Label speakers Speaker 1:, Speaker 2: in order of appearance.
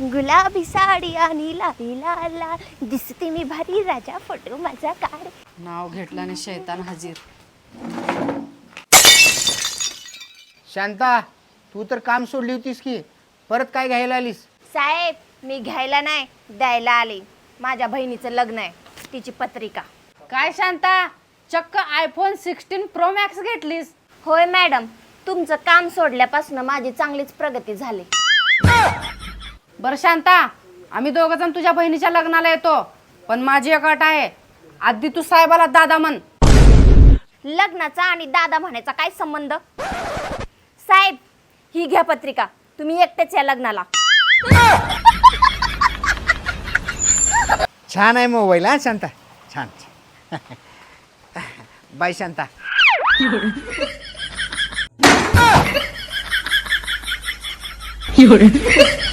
Speaker 1: गुलाबी साडी आणि लाली लाला दिसते मी भारी राजा फोटो माझा काढ.
Speaker 2: नाव घेतलं आणि शैतान हजीर.
Speaker 3: शांता, तू तर काम सोडली होतीस की परत काय घ्यायला आलीस?
Speaker 1: साहेब, मी घ्यायला नाही द्यायला आले. माझ्या बहिणीचं लग्न आहे, तिची पत्रिका.
Speaker 2: काय शांता, चक्क आयफोन 16 प्रो मॅक्स घेतलीस?
Speaker 1: होय मॅडम, तुमचं काम सोडल्यापासून माझी चांगलीच प्रगती झाली.
Speaker 2: बरं शांता, आम्ही दोघं जण तुझ्या बहिणीच्या लग्नाला येतो, पण माझी एक अट आहे. आधी तू साहेबाला दादा म्हण.
Speaker 1: लग्नाचा आणि दादा म्हणायचा काय संबंध? साहेब, ही घ्या पत्रिका, तुम्ही एकटेच या लग्नाला.
Speaker 3: छान आहे मोबाईल हा शांता, छान. बाय शांता.
Speaker 4: 有人。